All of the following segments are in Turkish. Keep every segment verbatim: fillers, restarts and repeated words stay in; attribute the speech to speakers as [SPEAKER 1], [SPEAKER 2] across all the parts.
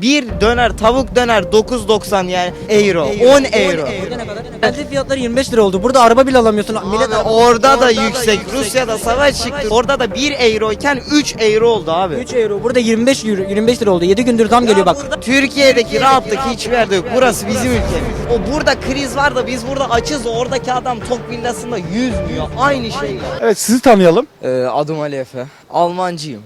[SPEAKER 1] Bir döner tavuk döner dokuz doksan yani euro. on euro.
[SPEAKER 2] Burada ne kadar? Benzin fiyatları yirmi beş lira oldu. Burada araba bile alamıyorsun. Millet
[SPEAKER 1] Abi
[SPEAKER 2] araba-
[SPEAKER 1] orada da yüksek. Rusya'da savaş çıktı. Orada da bir euro iken üç euro oldu abi.
[SPEAKER 2] üç euro. Burada yirmi beş euro, yirmi beş lira oldu. yedi gündür zam geliyor bak.
[SPEAKER 1] Burada Türkiye'deki rahatlık hiçbir yerde yok. Burası bizim ülkemiz. O burada kriz var da biz burada açız. Oradaki adam tok villasında yüzmüyor. Aynı şey.
[SPEAKER 3] Evet, sizi tanıyalım.
[SPEAKER 1] Ee, adım Ali Efe. Almancıyım.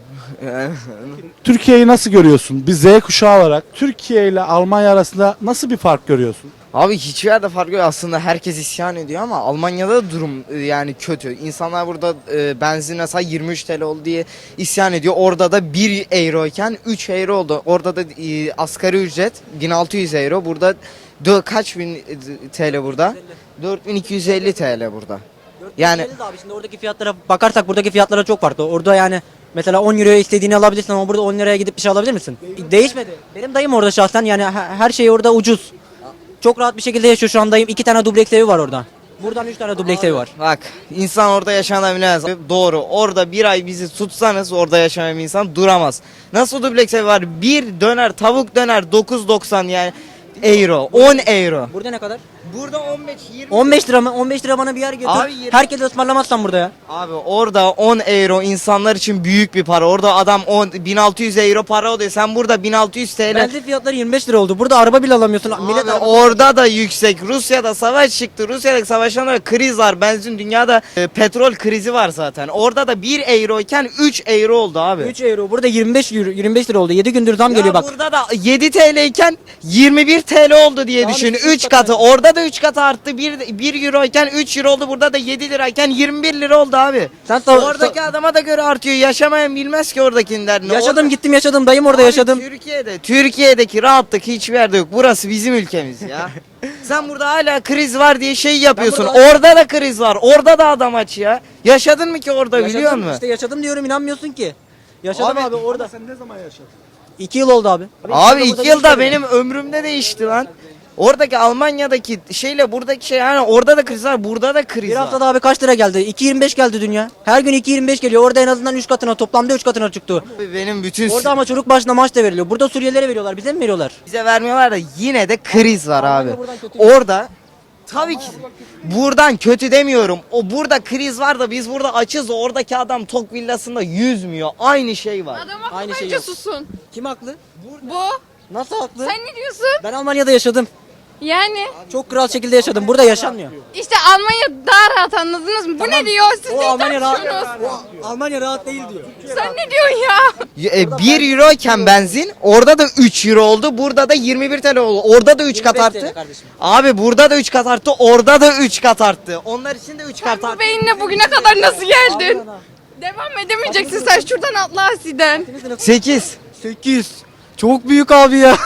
[SPEAKER 3] Türkiye'yi nasıl görüyorsun? Bir Z kuşağı olarak Türkiye ile Almanya arasında nasıl bir fark görüyorsun?
[SPEAKER 1] Abi hiçbir yerde fark yok. Aslında herkes isyan ediyor ama Almanya'da da durum e, yani kötü. İnsanlar burada e, benzin mesela yirmi üç T L oldu diye isyan ediyor. Orada da bir euro iken üç euro oldu. Orada da e, asgari ücret bin altı yüz euro. Burada dö- kaç bin T L burada? dört bin iki yüz elli T L burada. Yani
[SPEAKER 2] Abi şimdi oradaki fiyatlara bakarsak buradaki fiyatlara çok farklı. Orada yani mesela on euroya istediğini alabilirsin ama burada on liraya gidip bir şey alabilir misin? Değişmedi. Benim dayım orada şahsen yani he- her şey orada ucuz. Çok rahat bir şekilde yaşıyor şu an dayım. İki tane dubleks evi var orada. Buradan üç tane dubleks evi var.
[SPEAKER 1] bak insan orada yaşanabilmez. Doğru. Orada bir ay bizi tutsanız orada yaşayan bir insan duramaz. Nasıl dubleks ev var? Bir döner tavuk döner dokuz doksan yani euro. on euro.
[SPEAKER 2] Burada ne kadar?
[SPEAKER 1] Burada on beş yirmi.
[SPEAKER 2] on beş lira mı? on beş lira bana bir yer götür.
[SPEAKER 1] Abi yirmi-
[SPEAKER 2] Herkese ısmarlamazsan burada ya.
[SPEAKER 1] Abi orada on euro insanlar için büyük bir para. Orada adam on bin altı yüz euro para ödüyor. Sen burada bin altı yüz T L.
[SPEAKER 2] Benzin fiyatları yirmi beş lira oldu. Burada araba bile alamıyorsun. Millet
[SPEAKER 1] Abi
[SPEAKER 2] araba-
[SPEAKER 1] orada da yüksek. Rusya'da savaş çıktı. Rusya'daki savaştan sonra kriz var. Benzin dünyada e, petrol krizi var zaten. Orada da bir euro iken üç euro oldu abi.
[SPEAKER 2] üç euro. Burada yirmi beş euro, yirmi beş lira oldu. yedi gündür zam
[SPEAKER 1] Ya
[SPEAKER 2] geliyor bak.
[SPEAKER 1] burada da yedi T L iken yirmi bir T L oldu diye
[SPEAKER 2] Abi
[SPEAKER 1] düşün.
[SPEAKER 2] üç
[SPEAKER 1] üç
[SPEAKER 2] katı.
[SPEAKER 1] katı. Orada da üç katı arttı. bir, bir euro iken üç euro oldu. Burada da yedi lirayken yirmi bir lira oldu abi.
[SPEAKER 2] Sen sava-
[SPEAKER 1] Oradaki adama da göre artıyor. Yaşamayan bilmez ki oradakinin derdini.
[SPEAKER 2] Yaşadım
[SPEAKER 1] Orada-
[SPEAKER 2] gittim yaşadım. Dayım orada
[SPEAKER 1] Abi
[SPEAKER 2] yaşadım.
[SPEAKER 1] Türkiye'de, Türkiye'deki rahatlık hiçbir yerde yok. Burası bizim ülkemiz ya. Sen burada hala kriz var diye şey yapıyorsun.
[SPEAKER 2] burada-
[SPEAKER 1] Orada da kriz var. Orada da adam aç ya. Yaşadın mı ki orada biliyor
[SPEAKER 2] Yaşadım,
[SPEAKER 1] musun?
[SPEAKER 2] İşte yaşadım diyorum inanmıyorsun ki. Yaşadım
[SPEAKER 1] Abi-
[SPEAKER 2] abi, orada.
[SPEAKER 3] Sen ne zaman yaşadın?
[SPEAKER 2] iki yıl oldu abi.
[SPEAKER 1] Abi
[SPEAKER 2] burada
[SPEAKER 1] iki yılda
[SPEAKER 2] değişmedi.
[SPEAKER 1] benim ömrümde değişti lan. Oradaki Almanya'daki şeyle buradaki şey yani orada da kriz var, burada da kriz
[SPEAKER 2] Bir
[SPEAKER 1] var.
[SPEAKER 2] haftada abi kaç lira geldi? iki yirmi beş geldi dünya. Her gün iki yirmi beş geliyor. Orada en azından üç katına, toplamda üç katına çıktı.
[SPEAKER 1] Benim bütün
[SPEAKER 2] Orada ama çocuk başına maaş da veriliyor. Burada Suriyelilere veriyorlar. Bize mi veriyorlar?
[SPEAKER 1] bize vermiyorlar da yine de kriz var abi.
[SPEAKER 2] Almanya buradan kötü.
[SPEAKER 1] Orada tabii ki buradan kötü demiyorum. O burada kriz var da biz burada açız. Oradaki adam tok villasında yüzmüyor. Aynı şey var.
[SPEAKER 4] Adam haklı
[SPEAKER 2] Aynı şey
[SPEAKER 4] bence
[SPEAKER 2] yok.
[SPEAKER 4] susun.
[SPEAKER 2] Kim haklı?
[SPEAKER 4] Bu.
[SPEAKER 2] Nasıl haklı?
[SPEAKER 4] Sen ne diyorsun?
[SPEAKER 2] Ben Almanya'da yaşadım.
[SPEAKER 4] Yani
[SPEAKER 2] Çok kral şekilde yaşadım. Burada yaşanmıyor.
[SPEAKER 4] işte Almanya daha rahat anladınız mı? Bu ne diyor? Siz
[SPEAKER 2] O
[SPEAKER 4] ne
[SPEAKER 2] Almanya rahat.
[SPEAKER 4] tartışıyorsunuz?
[SPEAKER 2] O Almanya rahat değil diyor.
[SPEAKER 4] Sen ne diyorsun ya?
[SPEAKER 1] E, bir euro iken benzin orada da üç euro oldu. Burada da yirmi bir T L oldu. Orada da üç kat
[SPEAKER 2] yirmi beş T L
[SPEAKER 1] arttı.
[SPEAKER 2] kardeşim.
[SPEAKER 1] Abi burada da üç kat arttı. Orada da üç kat arttı. Onlar için de üç
[SPEAKER 4] Sen
[SPEAKER 1] kat
[SPEAKER 4] bu
[SPEAKER 1] arttı.
[SPEAKER 4] beyinle bugüne kadar nasıl geldin? Devam edemeyeceksin sen şuradan atla Asi'den.
[SPEAKER 1] sekiz.
[SPEAKER 2] sekiz. Çok büyük abi ya.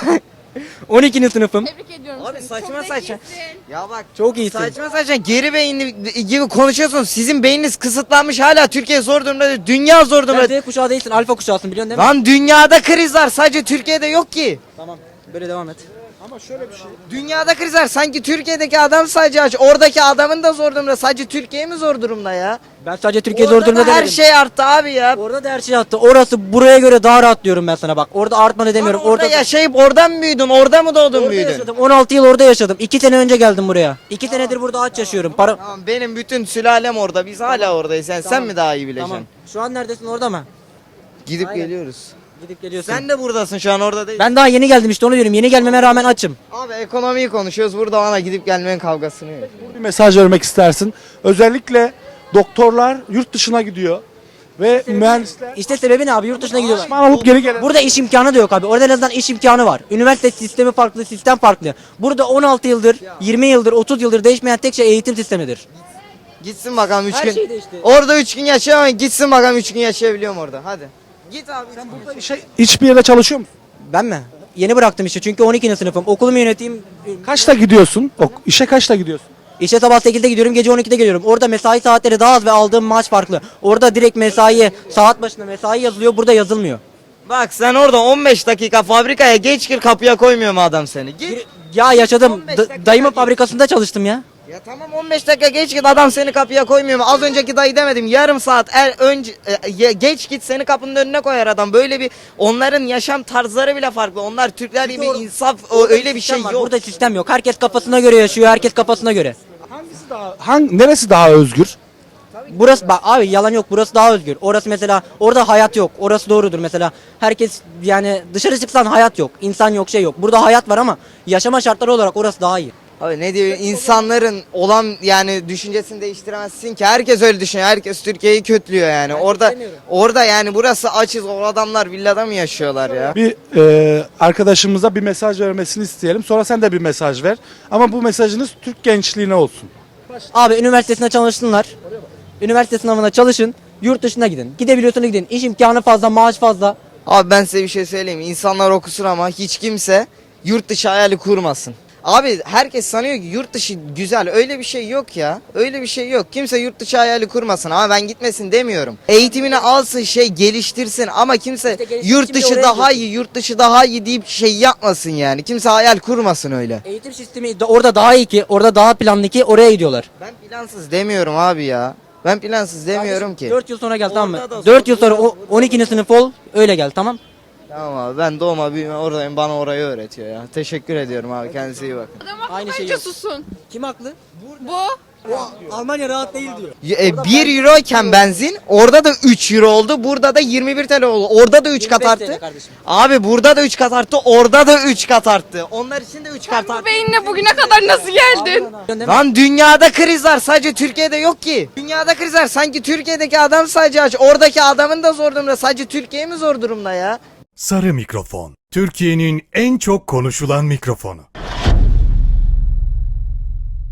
[SPEAKER 2] on ikinci sınıfım.
[SPEAKER 4] Tebrik ediyorum
[SPEAKER 1] Abi
[SPEAKER 4] seni.
[SPEAKER 1] saçma
[SPEAKER 4] Çok
[SPEAKER 1] saçma.
[SPEAKER 4] zekisin.
[SPEAKER 1] Ya bak
[SPEAKER 2] Çok iyisin.
[SPEAKER 1] saçma saçma geri beyinli gibi konuşuyorsunuz. Sizin beyniniz kısıtlanmış hala Türkiye zor durumda. Dünya zor durumda.
[SPEAKER 2] Sen Z kuşağı değilsin, alfa kuşağısın biliyorsun değil mi?
[SPEAKER 1] Lan dünyada kriz var. Sadece Türkiye'de yok ki.
[SPEAKER 2] Tamam. Böyle devam et.
[SPEAKER 1] Dünyada kriz var. Sanki Türkiye'deki adam sadece aç. Oradaki adamın da zor durumda. Sadece Türkiye mi zor durumda ya?
[SPEAKER 2] Ben sadece Türkiye
[SPEAKER 1] Orada
[SPEAKER 2] zor durumda
[SPEAKER 1] da her
[SPEAKER 2] demedim.
[SPEAKER 1] şey arttı abi ya.
[SPEAKER 2] Orada da her şey attı. Orası buraya göre daha rahat diyorum ben sana bak. Orada artmadı demiyorum.
[SPEAKER 1] Orada, yaşayıp oradan mı büyüdün? Orada mı doğdun
[SPEAKER 2] orada
[SPEAKER 1] büyüdün?
[SPEAKER 2] yaşadım. on altı yıl orada yaşadım. iki sene önce geldim buraya. iki senedir burada aç yaşıyorum. Para...
[SPEAKER 1] Tamam benim bütün sülalem orada. Biz hala oradayız. Sen, sen mi daha iyi bileceksin?
[SPEAKER 2] Tamam. Şu an neredesin, orada mı?
[SPEAKER 1] Gidip
[SPEAKER 2] Aynen.
[SPEAKER 1] geliyoruz.
[SPEAKER 2] Gidip geliyorsun.
[SPEAKER 1] Sen de buradasın şu an orada değil.
[SPEAKER 2] Ben daha yeni geldim işte onu diyorum. Yeni gelmeme rağmen açım.
[SPEAKER 1] Abi ekonomiyi konuşuyoruz. Burada bana gidip gelmenin kavgasını yok.
[SPEAKER 3] Bir mesaj vermek istersin. Özellikle doktorlar yurt dışına gidiyor ve mühendisler
[SPEAKER 2] İşte sebebi ne abi? Yurt dışına gidiyorlar.
[SPEAKER 3] Osman alıp geri gelen.
[SPEAKER 2] Burada iş imkanı da yok abi. Orada en azından iş imkanı var. Üniversite sistemi farklı, sistem farklı. Burada on altı yıldır, yirmi yıldır, otuz yıldır değişmeyen tek şey eğitim sistemidir.
[SPEAKER 1] Gitsin bakalım üç
[SPEAKER 2] Her
[SPEAKER 1] gün.
[SPEAKER 2] şey değişti.
[SPEAKER 1] Orada üç gün yaşayamam. Gitsin bakalım üç gün yaşayabiliyor mu orada? Hadi. Git abi. Sen burada
[SPEAKER 3] Şey, hiçbir yere çalışıyor musun?
[SPEAKER 2] Ben mi? Yeni bıraktım işi çünkü on ikinci sınıfım. Okulumu yöneteyim.
[SPEAKER 3] Kaçta gidiyorsun? Ok, işe kaçta gidiyorsun?
[SPEAKER 2] İşe sabah sekizde gidiyorum, gece on ikide geliyorum. Orada mesai saatleri daha az ve aldığım maaş farklı. Orada direkt mesai, saat başına mesai yazılıyor, burada yazılmıyor.
[SPEAKER 1] Bak sen orada on beş dakika fabrikaya geç gir kapıya koymuyor mu adam seni? Git.
[SPEAKER 2] Ya yaşadım.
[SPEAKER 1] on beş
[SPEAKER 2] Da-
[SPEAKER 1] dakika
[SPEAKER 2] dayımın
[SPEAKER 1] git.
[SPEAKER 2] fabrikasında çalıştım ya.
[SPEAKER 1] Ya tamam on beş dakika geç git, adam seni kapıya koymuyor mu? Az önceki dayı demedim, yarım saat er, önce e, ye- geç git, seni kapının önüne koyar adam. Böyle bir, onların yaşam tarzları bile farklı. Onlar Türkler gibi
[SPEAKER 2] Doğru.
[SPEAKER 1] insaf, o, öyle bir şey
[SPEAKER 2] Sistem var.
[SPEAKER 1] yok.
[SPEAKER 2] Burada sistem yok. Herkes kafasına göre yaşıyor. Herkes kafasına göre.
[SPEAKER 3] Hangisi daha, hang, neresi daha özgür?
[SPEAKER 2] Burası bak abi, yalan yok, burası daha özgür. Orası mesela, orada hayat yok. Orası doğrudur mesela. Herkes yani dışarı çıksan hayat yok. İnsan yok, şey yok. Burada hayat var ama yaşama şartları olarak orası daha iyi.
[SPEAKER 1] Abi ne diyor, insanların olan yani düşüncesini değiştiremezsin ki. Herkes öyle düşünüyor. Herkes Türkiye'yi kötülüyor yani. orada
[SPEAKER 2] istemiyorum.
[SPEAKER 1] orada yani burası açız. O adamlar villada mı yaşıyorlar ya?
[SPEAKER 3] Bir e, arkadaşımıza bir mesaj vermesini isteyelim. Sonra sen de bir mesaj ver. Ama bu mesajınız Türk gençliğine olsun.
[SPEAKER 2] Abi üniversitesinde çalışsınlar. Üniversite sınavına çalışın. Yurt dışına gidin. Gidebiliyorsanız gidin. İş imkanı fazla, maaş fazla.
[SPEAKER 1] Abi ben size bir şey söyleyeyim. İnsanlar okusun ama hiç kimse yurt dışı hayali kurmasın. Abi herkes sanıyor ki yurt dışı güzel. Öyle bir şey yok ya. Öyle bir şey yok. Kimse yurt dışı hayali kurmasın ama ben gitmesin demiyorum. Eğitimini alsın, şey geliştirsin ama kimse
[SPEAKER 2] İşte geliştirsin
[SPEAKER 1] yurt
[SPEAKER 2] de
[SPEAKER 1] dışı
[SPEAKER 2] oraya
[SPEAKER 1] daha
[SPEAKER 2] götür.
[SPEAKER 1] iyi, yurt dışı daha iyi deyip şey yapmasın yani. Kimse hayal kurmasın öyle.
[SPEAKER 2] Eğitim sistemi de orada daha iyi ki, orada daha planlı ki oraya gidiyorlar.
[SPEAKER 1] Ben plansız demiyorum abi ya. Ben plansız demiyorum ki.
[SPEAKER 2] dört yıl sonra gel, tamam mı?
[SPEAKER 1] Orada da
[SPEAKER 2] dört yıl sonra o- on ikinci sınıf ol, öyle gel, tamam?
[SPEAKER 1] Tamam abi, ben doğma büyüme oradayım, bana orayı öğretiyor ya. Teşekkür ediyorum abi, kendinize iyi bakın.
[SPEAKER 4] Adam haklı,
[SPEAKER 2] Aynı şey
[SPEAKER 4] bence
[SPEAKER 2] yok.
[SPEAKER 4] susun.
[SPEAKER 2] Kim haklı?
[SPEAKER 4] Bu.
[SPEAKER 2] Almanya rahat değil diyor.
[SPEAKER 1] E, bir euro iken benzin orada da üç euro oldu, burada da yirmi bir T L oldu. Orada da üç kat
[SPEAKER 2] yirmi beş T L
[SPEAKER 1] arttı.
[SPEAKER 2] kardeşim.
[SPEAKER 1] Abi burada da üç kat arttı, orada da üç kat arttı. Onlar için de üç kat
[SPEAKER 4] Bu
[SPEAKER 1] arttı.
[SPEAKER 4] beyinle bugüne kadar nasıl geldin?
[SPEAKER 1] Lan dünyada kriz var, sadece Türkiye'de yok ki. Dünyada kriz var, sanki Türkiye'deki adam sadece aç. Oradaki adamın da zor durumda, sadece Türkiye mi zor durumda ya?
[SPEAKER 5] Sarı Mikrofon. Türkiye'nin en çok konuşulan mikrofonu.